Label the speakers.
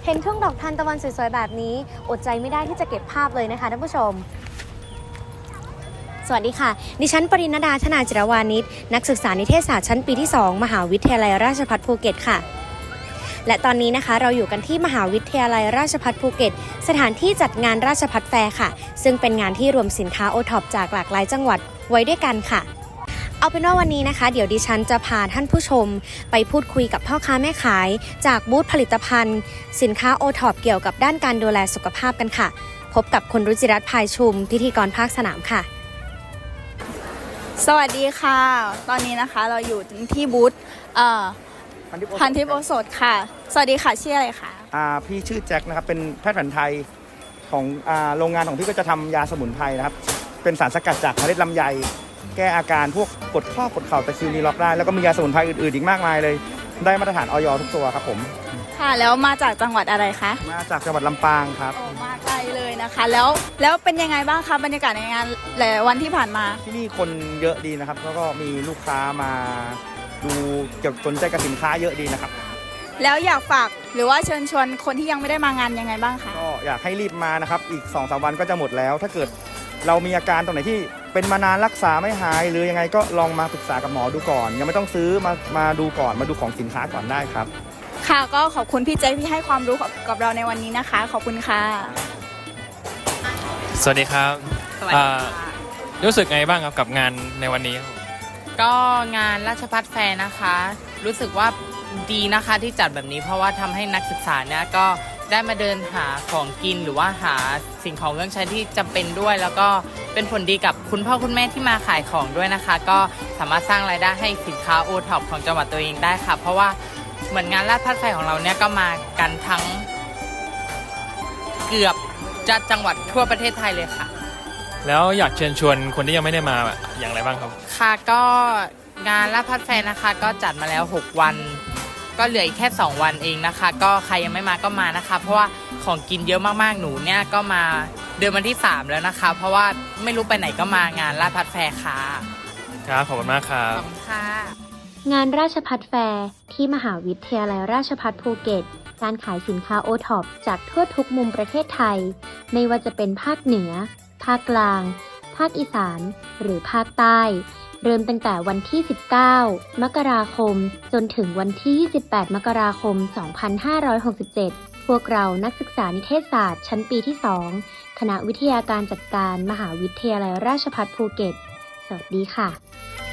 Speaker 1: เห็นทุ่งดอกทานตะวันสวยๆแบบนี้อดใจไม่ได้ที่จะเก็บภาพเลยนะคะท่านผู้ชมสวัสดีค่ะดิฉันปริณดาธนาจิรวานิชนักศึกษานิเทศศาสตร์ชั้นปีที่ 2 มหาวิทยาลัยราชภัฏภูเก็ตค่ะและตอนนี้นะคะเราอยู่กันที่มหาวิทยาลัยราชภัฏภูเก็ตสถานที่จัดงานราชภัฏแฟร์ค่ะซึ่งเป็นงานที่รวมสินค้าโอท็อปจากหลากหลายจังหวัดไว้ด้วยกันค่ะเอาเป็นว่าวันนี้นะคะเดี๋ยวดิฉันจะพาท่านผู้ชมไปพูดคุยกับพ่อค้าแม่ขายจากบูธผลิตภัณฑ์สินค้าโอท็อปเกี่ยวกับด้านการดูแลสุขภาพกันค่ะพบกับคุณรุจิรัตน์ภายชุมพิธีกรภาคสนามค่ะ
Speaker 2: สวัสดีค่ะตอนนี้นะคะเราอยู่ที่บูธพันทิพย์โอสถค่ะสวัสดีค่ะชื่ออะไรคะ
Speaker 3: พี่ชื่อแจ็คนะครับเป็นแพทย์แผนไทยของโรงงานของพี่ก็จะทำยาสมุนไพรนะครับเป็นสารสกัดจากเมล็ดลำไยแก้อาการพวกปวดข้อปวดเข่าตะคริวนีล็อกได้แล้วก็มียาสมุนไพรอื่นๆอีกมากมายเลยได้มาตรฐานอย.ทุกตัวครับผม
Speaker 2: ค่ะแล้วมาจากจังหวัดอะไรคะ
Speaker 3: มาจากจังหวัดลำปางครับ
Speaker 2: มาไกลเลยนะคะแล้วเป็นยังไงบ้างคะบรรยากาศในงานหลายวันที่ผ่านมา
Speaker 3: ที่นี่คนเยอะดีนะครับแล้วก็มีลูกค้ามาดูเกี่ยวกับสนใจกับสินค้าเยอะดีนะครับ
Speaker 2: แล้วอยากฝากหรือว่าเชิญชวนคนที่ยังไม่ได้มางานยังไงบ้างคะ
Speaker 3: ก็อยากให้รีบมานะครับอีก 2-3 วันก็จะหมดแล้วถ้าเกิดเรามีอาการตรงไหนที่เป็นมานานรักษาไม่หายหรือยังไงก็ลองมาปรึกษากับหมอดูก่อนยังไม่ต้องซื้อมาดูก่อนมาดูของสินค้าก่อนได้ครับ
Speaker 2: ค่ะก็ขอบคุณพี่เจที่ให้ความรู้กับเราในวันนี้นะคะขอบคุณค่ะ
Speaker 4: สวัสดีครับ
Speaker 5: สวัสดีค่ะ
Speaker 4: รู้สึกไงบ้างครับกับงานในวันนี้
Speaker 5: ก็งานราชภัฏแฟร์นะคะรู้สึกว่าดีนะคะที่จัดแบบนี้เพราะว่าทำให้นักศึกษาเนี่ยก็ได้มาเดินหาของกินหรือว่าหาสิ่งของเครื่องใช้ที่จำเป็นด้วยแล้วก็เป็นผลดีกับคุณพ่อคุณแม่ที่มาขายของด้วยนะคะก็สามารถสร้างรายได้ให้สินค้าโอท็อปของจังหวัดตัวเองได้ค่ะเพราะว่าเหมือนงานราชภัฏแฟร์ของเราเนี่ยก็มากันทั้งเกือบจะจังหวัดทั่วประเทศไทยเลยค่ะ
Speaker 4: แล้วอยากเชิญชวนคนที่ยังไม่ได้มาอย่างไรบ้างครับ
Speaker 5: ค่ะก็งานราชภัฏแฟร์นะคะก็จัดมาแล้ว6วันก็เหลืออีกแค่2วันเองนะคะก็ใครยังไม่มาก็มานะคะเพราะว่าของกินเยอะมากๆหนูเนี่ยก็มาเดือนวันที่3แล้วนะคะเพราะว่าไม่รู้ไปไหนก็มางานราชภัฏแฟร์ค่ะ
Speaker 4: ครับขอบคุณมากครับ
Speaker 5: ขอบคุณค่ะ
Speaker 1: งานราชภัฏแฟร์ที่มหาวิทยาลัยราชภัฏภูเก็ตการขายสินค้าโอท็อปจากทั่วทุกมุมประเทศไทยไม่ว่าจะเป็นภาคเหนือภาคกลางภาคอีสานหรือภาคใต้เริ่มตั้งแต่วันที่19มกราคมจนถึงวันที่28มกราคม2567พวกเรานักศึกษานิเทศศาสตร์ชั้นปีที่ 2คณะวิทยาการจัดการมหาวิทยาลัยราชภัฏภูเก็ตสวัสดีค่ะ